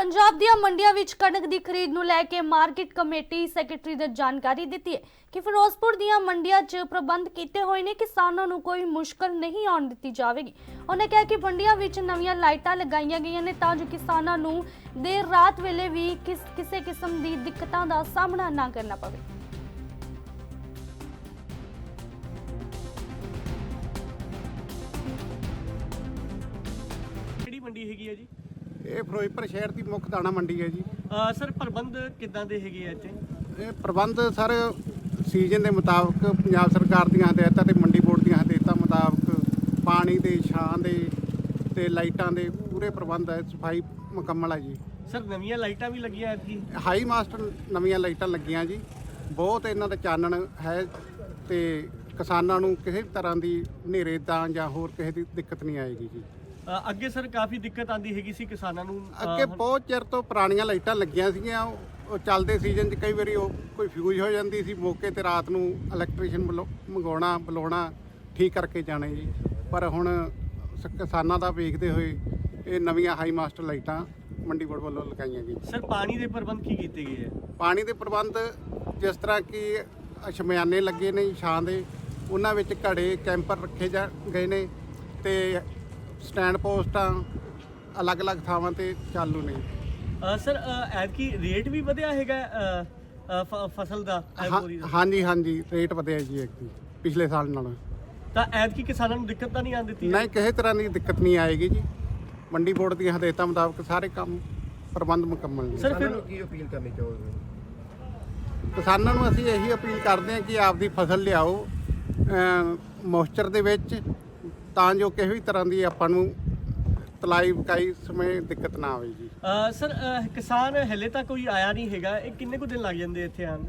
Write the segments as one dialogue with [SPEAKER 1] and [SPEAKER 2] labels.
[SPEAKER 1] पंजाब ਦੀਆਂ ਮੰਡੀਆਂ ਵਿੱਚ ਕਣਕ ਦੀ ਖਰੀਦ ਨੂੰ ਲੈ ਕੇ ਮਾਰਕੀਟ ਕਮੇਟੀ ਸੈਕਟਰੀ ਨੇ ਜਾਣਕਾਰੀ ਦਿੱਤੀ ਹੈ ਕਿ ਫਿਰੋਜ਼ਪੁਰ ਦੀਆਂ ਮੰਡੀਆਂ 'ਚ ਪ੍ਰਬੰਧ ਕੀਤੇ ਹੋਏ ਨੇ, ਕਿਸਾਨਾਂ ਨੂੰ ਕੋਈ ਮੁਸ਼ਕਲ ਨਹੀਂ ਆਉਣ ਦਿੱਤੀ ਜਾਵੇਗੀ। ਉਹਨੇ ਕਿਹਾ ਕਿ ਮੰਡੀਆਂ ਵਿੱਚ ਨਵੀਆਂ ਲਾਈਟਾਂ ਲਗਾਈਆਂ ਗਈਆਂ ਨੇ ਤਾਂ ਜੋ ਕਿਸਾਨਾਂ ਨੂੰ ਦੇਰ ਰਾਤ ਵੇਲੇ ਵੀ ਕਿਸੇ ਕਿਸਮ ਦੀ ਦਿੱਕਤਾਂ ਦਾ ਸਾਹਮਣਾ ਨਾ ਕਰਨਾ ਪਵੇ।
[SPEAKER 2] ਕਿਹੜੀ ਮੰਡੀ ਹੈਗੀ ਹੈ ਜੀ?
[SPEAKER 3] ਇਹ ਫਿਰੋਜ਼ਪੁਰ ਸ਼ਹਿਰ ਦੀ ਮੁੱਖ ਦਾਣਾ ਮੰਡੀ ਹੈ ਜੀ।
[SPEAKER 2] ਸਰ ਪ੍ਰਬੰਧ ਕਿੱਦਾਂ ਦੇ ਹੈਗੇ ਆ ਇੱਥੇ?
[SPEAKER 3] ਇਹ ਪ੍ਰਬੰਧ ਸਰ ਸੀਜ਼ਨ ਦੇ ਮੁਤਾਬਕ ਪੰਜਾਬ ਸਰਕਾਰ ਦੀਆਂ ਹਦਾਇਤਾਂ ਤੇ ਮੰਡੀ ਬੋਰਡ ਦੀਆਂ ਹਦਾਇਤਾਂ ਮੁਤਾਬਕ ਪਾਣੀ ਦੇ, ਛਾਂ ਦੇ ਤੇ ਲਾਈਟਾਂ ਦੇ ਪੂਰੇ ਪ੍ਰਬੰਧ ਹੈ। ਸਫਾਈ ਮੁਕੰਮਲ ਹੈ ਜੀ।
[SPEAKER 2] ਸਰ ਨਵੀਆਂ ਲਾਈਟਾਂ ਵੀ ਲੱਗੀਆਂ ਐਤਕੀ?
[SPEAKER 3] ਹਾਈ ਮਾਸਟਰ ਨਵੀਆਂ ਲਾਈਟਾਂ ਲੱਗੀਆਂ ਜੀ। ਬਹੁਤ ਇਹਨਾਂ ਦਾ ਚਾਨਣ ਹੈ ਤੇ ਕਿਸਾਨਾਂ ਨੂੰ ਕਿਸੇ ਤਰ੍ਹਾਂ ਦੀ ਹਨੇਰੇ ਦਾ ਜਾਂ ਹੋਰ ਕਿਸੇ ਦੀ ਦਿੱਕਤ ਨਹੀਂ ਆਏਗੀ ਜੀ।
[SPEAKER 2] ਅੱਗੇ ਸਰ ਕਾਫੀ ਦਿੱਕਤ ਆਂਦੀ ਹੈਗੀ ਸੀ ਕਿਸਾਨਾਂ ਨੂੰ।
[SPEAKER 3] ਅੱਗੇ ਬਹੁਤ ਚਿਰ ਤੋਂ ਪੁਰਾਣੀਆਂ ਲਾਈਟਾਂ ਲੱਗੀਆਂ ਸੀਗੀਆਂ। ਉਹ ਚੱਲਦੇ ਸੀਜ਼ਨ 'ਚ ਕਈ ਵਾਰੀ ਉਹ ਕੋਈ ਫਿਊਜ਼ ਹੋ ਜਾਂਦੀ ਸੀ, ਮੌਕੇ ਤੇ ਰਾਤ ਨੂੰ ਇਲੈਕਟ੍ਰੀਸ਼ੀਅਨ ਮੰਗਾਉਣਾ ਬੁਲਾਉਣਾ ਠੀਕ ਕਰਕੇ ਜਾਣੇ ਜੀ। ਪਰ ਹੁਣ ਕਿਸਾਨਾਂ ਦਾ ਵੇਖਦੇ ਹੋਏ ਇਹ ਨਵੀਆਂ ਹਾਈ ਮਾਸਟਰ ਲਾਈਟਾਂ ਮੰਡੀ ਬੋਰਡ ਵੱਲੋਂ ਲਗਾਈਆਂ ਗਈਆਂ।
[SPEAKER 2] ਸਰ ਪਾਣੀ ਦੇ ਪ੍ਰਬੰਧ ਕੀ ਕੀਤੇ ਗਏ ਹੈ?
[SPEAKER 3] ਪਾਣੀ ਦੇ ਪ੍ਰਬੰਧ ਜਿਸ ਤਰ੍ਹਾਂ ਕਿ ਸ਼ਮਿਆਨੇ ਲੱਗੇ ਨੇ ਛਾਂ ਦੇ, ਉਹਨਾਂ ਵਿੱਚ ਘੜੇ ਕੈਂਪਰ ਰੱਖੇ ਗਏ ਨੇ ਤੇ ਸਟੈਂਡ ਪੋਸਟਾਂ ਅਲੱਗ-ਅਲੱਗ ਥਾਵਾਂ ਤੇ ਚਾਲੂ ਨੇ।
[SPEAKER 2] ਸਰ ਐਤਕੀ ਰੇਟ ਵੀ ਵਧਿਆ ਹੈਗਾ ਫਸਲ ਦਾ?
[SPEAKER 3] ਹਾਂਜੀ ਰੇਟ ਵਧਿਆ ਜੀ ਐਤਕੀ ਪਿਛਲੇ ਸਾਲ ਨਾਲੋਂ।
[SPEAKER 2] ਤਾਂ ਐਤਕੀ ਕਿਸਾਨਾਂ ਨੂੰ ਦਿੱਕਤ ਤਾਂ ਨਹੀਂ ਆਉਣ ਦਿੱਤੀ?
[SPEAKER 3] ਨਹੀਂ, ਕਿਸੇ ਤਰ੍ਹਾਂ ਦੀ ਦਿੱਕਤ ਨਹੀਂ ਆਏਗੀ ਜੀ। ਮੰਡੀ ਬੋਰਡ ਦੀਆਂ ਹਦਾਇਤਾਂ ਮੁਤਾਬਕ ਸਾਰੇ ਕੰਮ ਪ੍ਰਬੰਧ ਮੁਕੰਮਲ ਨੇ।
[SPEAKER 2] ਸਰ ਫਿਰ
[SPEAKER 4] ਕੀ ਅਪੀਲ ਕਰਨੀ ਚਾਹੋਗੇ?
[SPEAKER 3] ਕਿਸਾਨਾਂ ਨੂੰ ਅਸੀਂ ਇਹੀ ਅਪੀਲ ਕਰਦੇ ਹਾਂ ਕਿ ਆਪਦੀ ਫਸਲ ਲਿਆਓ ਮੋਇਸਚਰ ਦੇ ਵਿੱਚ, ਤਾਂ ਜੋ ਕਿਸੇ ਵੀ ਤਰ੍ਹਾਂ ਦੀ ਆਪਾਂ ਨੂੰ ਤਲਾਈ ਬਕਾਈ ਸਮੇਂ ਦਿੱਕਤ ਨਾ ਆਵੇ ਜੀ।
[SPEAKER 2] ਸਰ ਕਿਸਾਨ ਹਲੇ ਤਾਂ ਕੋਈ ਆਇਆ ਨਹੀਂ ਹੈਗਾ, ਇਹ ਕਿੰਨੇ ਕੁ ਦਿਨ ਲੱਗ ਜਾਂਦੇ ਇੱਥੇ ਆਉਣ?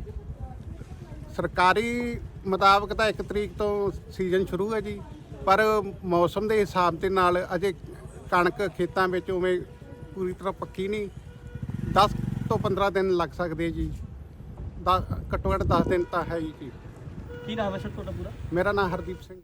[SPEAKER 3] ਸਰਕਾਰੀ ਮੁਤਾਬਕ ਤਾਂ 1 ਤਰੀਕ ਤੋਂ ਸੀਜ਼ਨ ਸ਼ੁਰੂ ਹੈ ਜੀ, ਪਰ ਮੌਸਮ ਦੇ ਹਿਸਾਬ ਦੇ ਨਾਲ ਅਜੇ ਕਣਕ ਖੇਤਾਂ ਵਿੱਚ ਉਵੇਂ ਪੂਰੀ ਤਰ੍ਹਾਂ ਪੱਕੀ ਨਹੀਂ। 10 ਤੋਂ 15 ਦਿਨ ਲੱਗ ਸਕਦੇ ਜੀ। ਘੱਟੋ ਘੱਟ 10 ਦਿਨ ਤਾਂ ਹੈ ਹੀ ਜੀ।
[SPEAKER 2] ਕੀ ਨਾਮ ਹੈ ਸਰ ਤੁਹਾਡਾ ਪੂਰਾ?
[SPEAKER 3] ਮੇਰਾ ਨਾਮ ਹਰਦੀਪ ਸਿੰਘ।